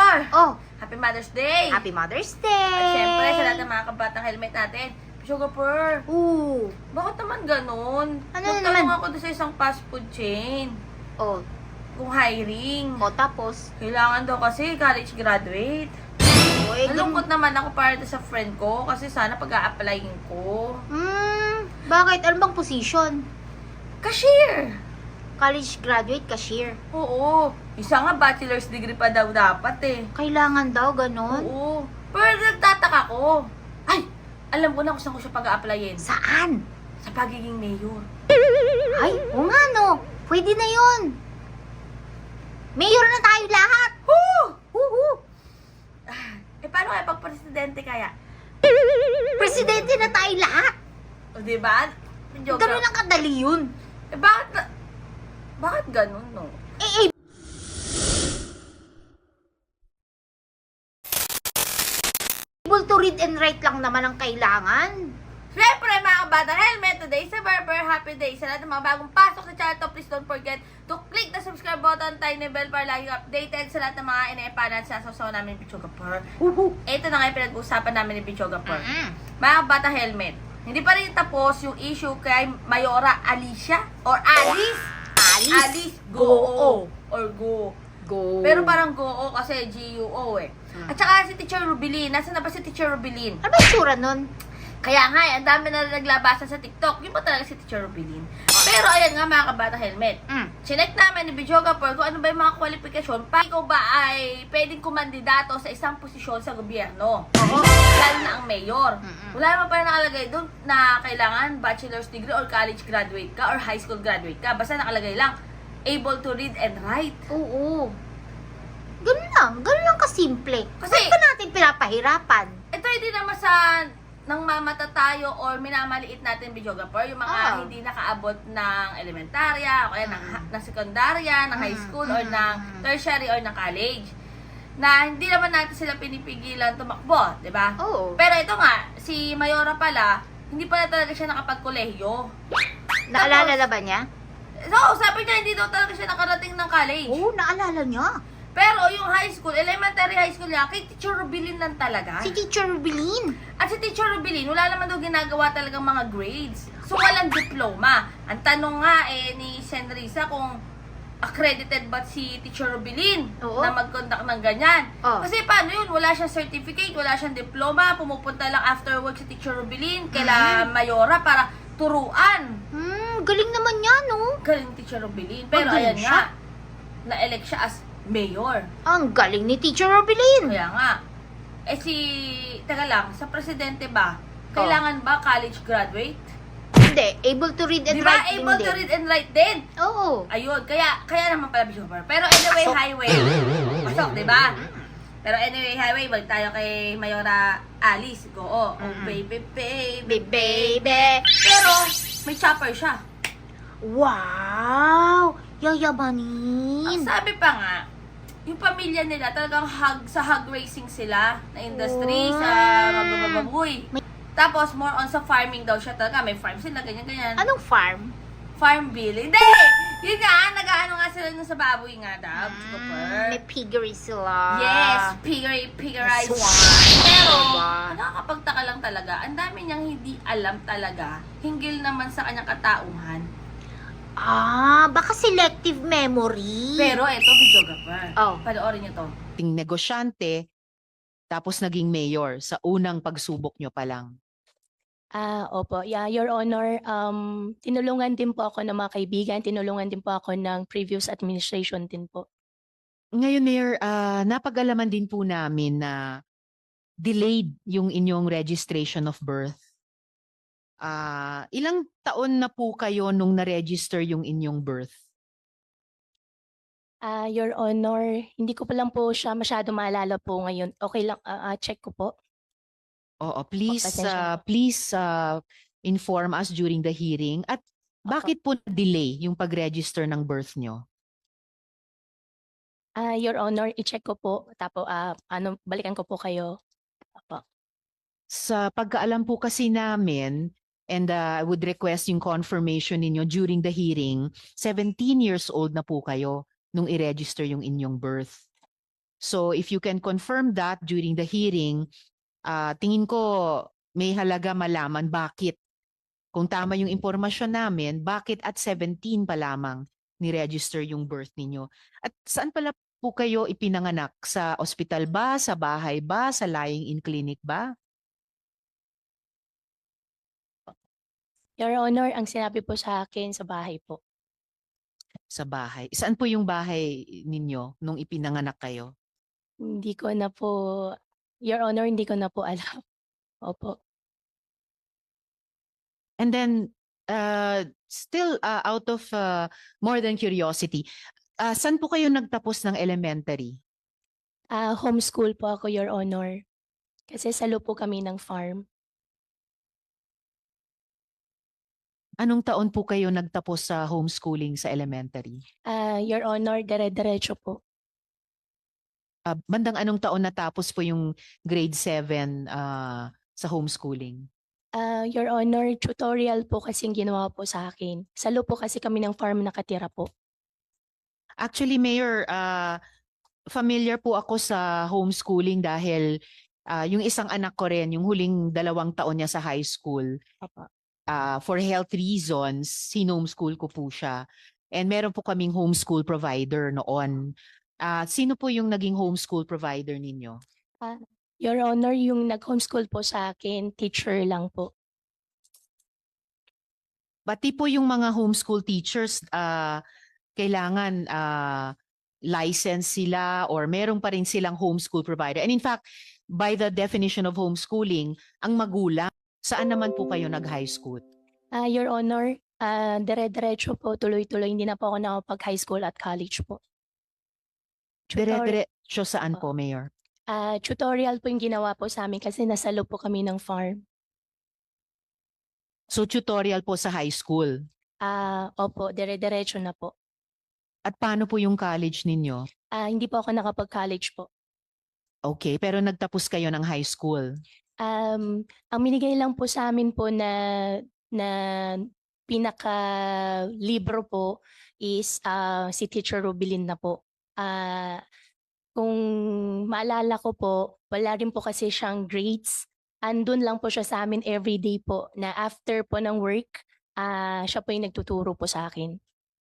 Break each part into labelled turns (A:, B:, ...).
A: Major!
B: Oh,
A: Happy Mother's Day!
B: Happy Mother's Day!
A: At syempre, sa lahat ng mga kabatang helmet natin, Sugar Pearl,
B: Ooh.
A: bakit naman ganun?
B: Ano na
A: Nagtanong
B: naman?
A: ako doon sa isang fast food chain,
B: Oh,
A: kung hiring.
B: tapos?
A: Kailangan daw kasi college graduate.
B: Oy,
A: Nalungkot naman ako para sa friend ko kasi sana pag-a-applyin ko.
B: Bakit? Ano bang position?
A: Cashier!
B: College graduate, cashier.
A: Oo. Isa nga bachelor's degree pa daw dapat eh.
B: Kailangan daw, ganon?
A: Oo. Pero nagtataka ko. Ay! Alam ko na kung saan ko siya pag-a-applyin.
B: Saan?
A: Sa pagiging mayor.
B: Ay, o nga no. Pwede na yun. Mayor na tayo lahat.
A: Woo!
B: Woohoo!
A: Paano kaya pag presidente kaya?
B: Presidente na tayo lahat.
A: O diba? Joke
B: Ganun
A: lang.
B: lang kadali yun.
A: Bakit ganun, no?
B: Able to read and write lang naman ang kailangan.
A: Siyempre, mga kabata helmet, today is a very happy day. Sa lahat ng mga bagong pasok sa channel to, please don't forget to click the subscribe button, tiny bell para lagi updated sa lahat ng mga ina-epanan sa sasaw namin ni Pichoga Pearl. Ito na nga yung pinag-uusapan namin ni Pichoga Pearl. Mga kabata helmet, hindi pa rin tapos yung issue kay Mayora Alicia or Alice. Alice Goo or Go.
B: Go.
A: Pero parang Goo kasi G-U-O eh. At saka si Teacher Rubilin. Nasaan na ba si Teacher Rubilin?
B: Ano ba yung tsura nun?
A: Kaya nga, ang dami na naglabasan sa TikTok. Yun ba talaga si Teacher Rubilin? Pero ayan nga mga kabata helmet. Chinek namin ni Bijoga Pearl kung ano ba yung mga kwalifikasyon pa ikaw ba ay pwedeng kumandidato sa isang posisyon sa gobyerno. Lalo na ang mayor. Wala naman pa nakalagay doon na kailangan bachelor's degree or college graduate ka or high school graduate ka. Basta nakalagay lang, able to read and write.
B: Oo. Ganun lang kasimple.
A: Kasi-
B: Bakit pa natin pinapahirapan?
A: Ito hindi naman sa nang mamata tayo or minamaliit natin Bijoga Pearl, yung mga hindi nakaabot ng elementarya, o kaya ng sekundarya, ng high school, or ng tertiary, or ng college. Na hindi naman natin sila pinipigilan tumakbo, di ba?
B: Oo.
A: Pero ito nga, si Mayora pala, hindi pala talaga siya nakapagkolehiyo.
B: Naalala na ba niya?
A: So, sabi niya, hindi daw talaga siya nakarating ng college.
B: Oo, naalala niya.
A: Pero yung high school, elementary high school niya, kay Teacher Rubilin lang talaga.
B: Si Teacher Rubilin.
A: At si Teacher Rubilin, wala naman daw ginagawa talagang mga grades. So, walang diploma. Ang tanong nga ni Senrisa kung accredited ba si Teacher Rubilin na mag-conduct ng ganyan. Kasi paano yun? Wala siyang certificate, wala siyang diploma, pumupunta lang after work si Teacher Rubilin kaila Mayora para turuan.
B: Galing naman niya, no?
A: Galing Teacher Rubilin. Pero
B: Magaling
A: ayan
B: siya.
A: nga, na-elect siya as mayor.
B: Ang galing ni Teacher Rubilin.
A: Kaya nga. Teka lang, sa presidente ba, kailangan ba college graduate?
B: Hindi, able to read and
A: Di ba
B: write
A: able to read and write din?
B: Oo.
A: Ayun, kaya naman pala Bishopper. Pero anyway,
B: Pasok.
A: highway. Pasok, di ba? Pero anyway, highway, balik tayo kay Mayora Alice. Go, oh baby, baby.
B: Baby.
A: Pero, may chopper siya.
B: Wow!
A: Ang
B: Yayamanin.
A: sabi pa nga, yung pamilya nila talagang sa hog racing sila na industry, sa magbababoy. Tapos, more on sa farming daw siya talaga. May farm sila, ganyan-ganyan.
B: Anong farm?
A: Farm bill. Hindi! Yun nga, nag-ano nga sila nun sa baboy nga daw.
B: May piggery sila.
A: Yes, piggerized.
B: Swine.
A: Pero,
B: Diba?
A: nakakapagtaka lang talaga. Ang dami niyang hindi alam talaga. Hinggil naman sa kanyang katauhan.
B: Baka selective memory.
A: Pero eto, Bijoga pa. Panoorin niyo to.
C: Ting negosyante, tapos naging mayor sa unang pagsubok nyo pa lang.
D: Opo. Yeah, Your Honor, tinulungan din po ako ng mga kaibigan, tinulungan din po ako ng previous administration din po.
C: Ngayon, Mayor, napag-alaman din po namin na delayed yung inyong registration of birth. Ilang taon na po kayo nung na-register yung inyong birth?
D: Your Honor, hindi ko pa lang po siya masyado maalala po ngayon. Okay lang, check ko po.
C: Oo, please,
D: pasensya.
C: please inform us during the hearing. At bakit po delay yung pag-register ng birth nyo?
D: Your Honor, i-check ko po. Tapos, balikan ko po kayo. Opo.
C: Sa pagkaalam po kasi namin, and I would request yung confirmation ninyo during the hearing, 17 years old na po kayo nung i-register yung inyong birth. So if you can confirm that during the hearing, tingin ko may halaga malaman bakit, kung tama yung impormasyon namin, bakit at 17 pa lamang ni-register yung birth ninyo. At saan pala po kayo ipinanganak? Sa ospital ba? Sa bahay ba? Sa lying-in clinic ba?
D: Your Honor, ang sinabi po sa akin sa bahay po.
C: Sa bahay. Saan po yung bahay ninyo nung ipinanganak kayo?
D: Hindi ko na po, Your Honor, hindi ko na po alam. Opo.
C: And then, still out of more than curiosity, saan po kayo nagtapos ng elementary?
D: Homeschool po ako, Your Honor. Kasi salo po kami ng farm.
C: Anong taon po kayo nagtapos sa homeschooling sa elementary?
D: Your Honor, dire-diretso po.
C: Bandang anong taon natapos po yung grade 7 sa homeschooling?
D: Your Honor, tutorial po kasing ginawa po sa akin. Salo po kasi kami ng farm nakatira po.
C: Actually, Mayor, familiar po ako sa homeschooling dahil yung isang anak ko rin, yung huling 2 taon niya sa high school,
D: Opo.
C: for health reasons, sinomeschool ko po siya. And meron po kaming homeschool provider noon. Sino po yung naging homeschool provider ninyo?
D: Your Honor, yung nag-homeschool po sa akin, teacher lang po.
C: Pati po yung mga homeschool teachers, kailangan license sila or meron pa rin silang homeschool provider. And in fact, by the definition of homeschooling, ang magulang, saan naman po kayo nag-high school?
D: Your Honor, dire-diretso po, tuloy-tuloy. Hindi na po ako nakapag-high school at college po.
C: Dire-diretso saan po, Mayor?
D: Tutorial po yung ginawa po sa amin kasi nasalo po kami ng farm.
C: So tutorial po sa high school.
D: Opo, dire-diretso na po.
C: At paano po yung college ninyo?
D: Hindi po ako nakapag-college po.
C: Okay, pero nagtapos kayo ng high school.
D: Ang minigay lang po sa amin po na pinaka-libro po is si Teacher Rubilin na po. Kung maalala ko po, wala rin po kasi siyang grades. Andun lang po siya sa amin everyday po na after po ng work, siya po yung nagtuturo po sa akin.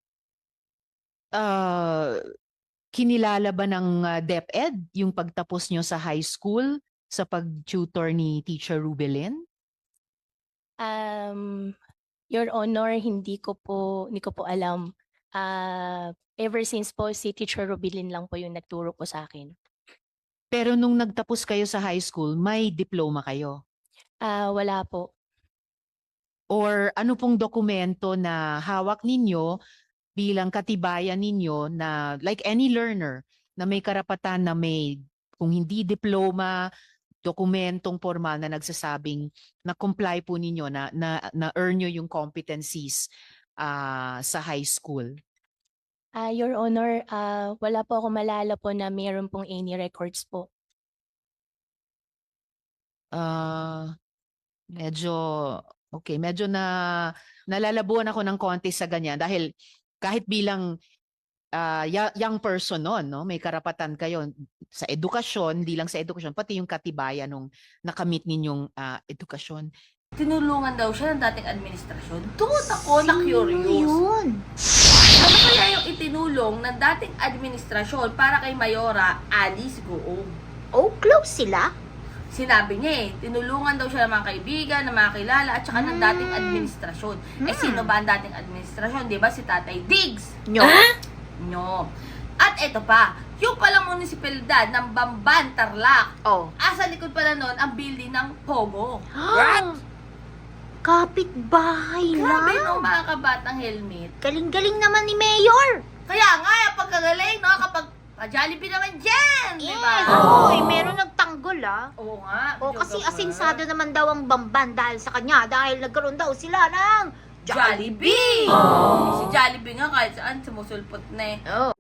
C: Kinilala ba ng DepEd yung pagtapos nyo sa high school sa pag-tutor ni Teacher Rubilin?
D: Your Honor, hindi ko po alam. Ever since po si Teacher Rubilin lang po yung nagturo po sa akin.
C: Pero nung nagtapos kayo sa high school, may diploma kayo?
D: Wala po.
C: Or ano pong dokumento na hawak ninyo bilang katibayan ninyo na like any learner na may karapatan na may, kung hindi diploma, dokumentong formal na nagsasabing na comply po ninyo na earn nyo yung competencies sa high school?
D: Your Honor, wala po ako malala po na mayroon pong any records po.
C: Medyo nalalabuan ako ng konti sa ganyan dahil kahit bilang young person noon, no, may karapatan kayo sa edukasyon, hindi lang sa edukasyon, pati yung katibayan nung nakamit ninyong edukasyon.
A: Tinulungan daw siya ng dating administrasyon. Doon ako na-curious.
B: Yun.
A: Ano kaya yung itinulong ng dating administrasyon para kay Mayora Alice Goong?
B: Oh, close sila?
A: Sinabi niya tinulungan daw siya ng mga kaibigan, ng mga kilala, at saka ng dating administrasyon. Sino ba ang dating administrasyon? Di ba si Tatay Diggs? No. At eto pa, yung palang munisipalidad ng Bamban, Tarlac, asa likod pala nun ang building ng Pogo.
B: What? Kapit-bahay
A: Grabe
B: lang.
A: no, mga kabatang helmet.
B: Galing-galing naman ni Mayor.
A: Kaya nga, yung pagkagaling, no, kapag pa-Jollibee naman dyan, di ba?
B: Oy, meron nagtanggol
A: Oo nga.
B: O kasi
A: videographer.
B: asinsado naman daw ang Bamban dahil sa kanya dahil nagkaroon daw sila ng
A: Jollibee! Si Jollibee nga kahit saan sumusulpot na eh.
B: Oh.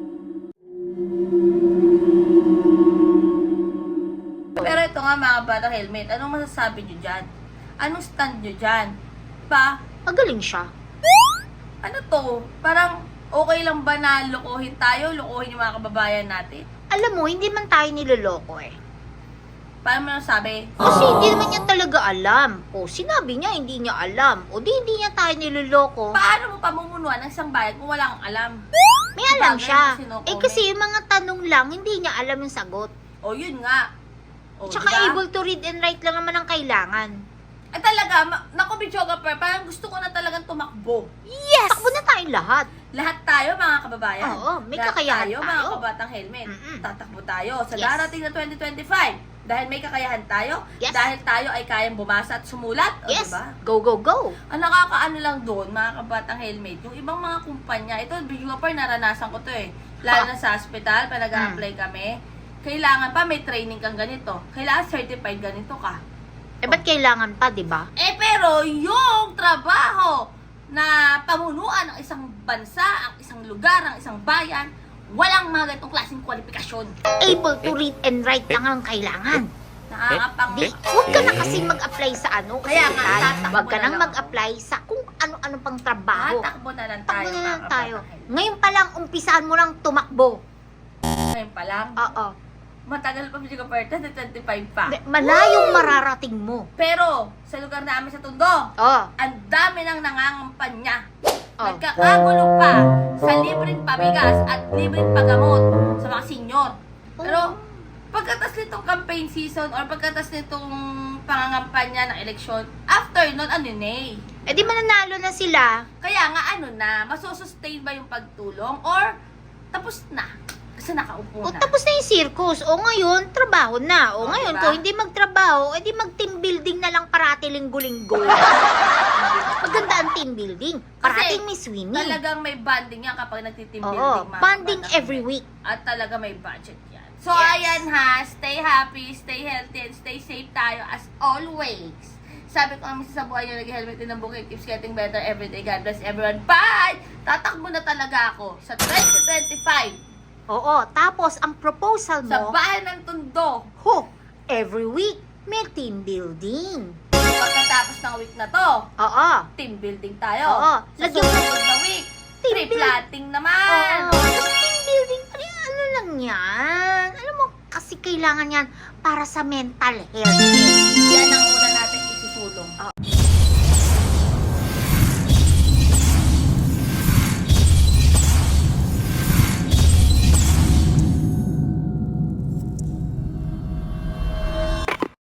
A: Pero ito nga mga bata Helmet, anong masasabi nyo dyan? Anong stand nyo dyan? Pa,
B: Magaling siya.
A: ano to? Parang okay lang ba na lokohin tayo? Lokohin yung mga kababayan natin?
B: Alam mo, hindi man tayo niloloko eh.
A: Paano mo nasabi?
B: Kasi hindi naman niya talaga alam. O, sinabi niya, hindi niya alam. O, di hindi niya tayo niloloko.
A: Paano mo pamumunuan ng isang bayan kung wala kang alam?
B: May alam
A: Bagay
B: siya.
A: na sinukomment.
B: Eh, kasi yung mga tanong lang, hindi niya alam yung sagot.
A: O, yun nga. O,
B: Tsaka
A: diba?
B: able to read and write lang naman ang kailangan.
A: Ay talaga, naku, videographer, parang gusto ko na talagang tumakbo.
B: Yes! Takbo na tayong lahat.
A: Lahat tayo, mga kababayan.
B: Oo, may
A: Lahat
B: kakayahan
A: tayo.
B: tayo.
A: Mga kabatang helmet.
B: Mm-mm.
A: Tatakbo tayo sa
B: Yes.
A: darating na 2025. Dahil may kakayahan tayo.
B: Yes.
A: Dahil tayo ay kayang bumasa at sumulat. O,
B: Yes!
A: diba?
B: Go, go, go!
A: Ang nakakaano lang doon, mga kabatang helmet, yung ibang mga kumpanya, ito, videographer, naranasan ko to eh. Lalo na sa hospital, pa nag-a-apply kami. Kailangan pa, may training kang ganito. Kailangan certified ganito ka.
B: Eh, ba't kailangan pa, di ba?
A: Eh pero yung trabaho na pamunuan ng isang bansa, ang isang lugar, ang isang bayan, walang mga ganitong klaseng kwalifikasyon.
B: Able to read and write lang ang kailangan.
A: Nakakapang...
B: Di, huwag ka na kasi mag-apply sa ano.
A: Kaya nga,
B: ospital.
A: tatakbo
B: Huwag ka
A: na
B: nang
A: lang
B: mag-apply sa kung ano-ano pang trabaho.
A: Tatakbo na lang
B: Takbo
A: tayo.
B: na lang
A: mga
B: tayo.
A: kabataan.
B: Ngayon pa lang, umpisahan mo lang tumakbo.
A: Ngayon pa lang.
B: Oo.
A: Matagal pa video ka 25 pa.
B: Malayong mararating mo.
A: Pero sa lugar namin sa Tondo,
B: Oo.
A: ang dami nang nangangampanya.
B: Oh.
A: Nagkakagulo pa sa libreng pabigas at libreng paggamot sa mga senior. Pero pagkatas nitong campaign season or pagkatas nitong pangangampanya ng eleksyon, after nun, ano na eh.
B: Eh di mananalo na sila.
A: Kaya nga ano na, masusustain ba yung pagtulong or tapos na? Kasi nakaupo
B: O
A: na.
B: tapos na yung circus. O ngayon, trabaho na. O
A: O,
B: ngayon,
A: diba?
B: kung hindi magtrabaho, edi mag-team building na lang parati linggo-linggo. Maganda ang team building. Parating may swimming.
A: Talagang may banding yan kapag nagtiteam
B: Oo,
A: building. mga
B: bonding
A: kabataan.
B: every week.
A: At talaga may budget yan. So,
B: Yes.
A: ayan ha. Stay happy, stay healthy, and stay safe tayo as always. Sabi ko namin sa buhay nyo, nag-helmet din ang bukid. Keeps getting better every day. God bless everyone. Bye! Tatakbo na talaga ako sa 2025
B: Oo, tapos ang proposal
A: sa
B: mo,
A: bahay ng Tondo.
B: every week, may team building.
A: Pagkatapos ng week na to,
B: Oo.
A: team building tayo.
B: Oo.
A: Sa
B: Lagyan mo-
A: susunod na week,
B: Team
A: tree
B: build-
A: planting naman.
B: Oo. Tapos team building, ano lang yan? Alam mo, kasi kailangan yan para sa mental health.
A: Yan ang una natin isusulong.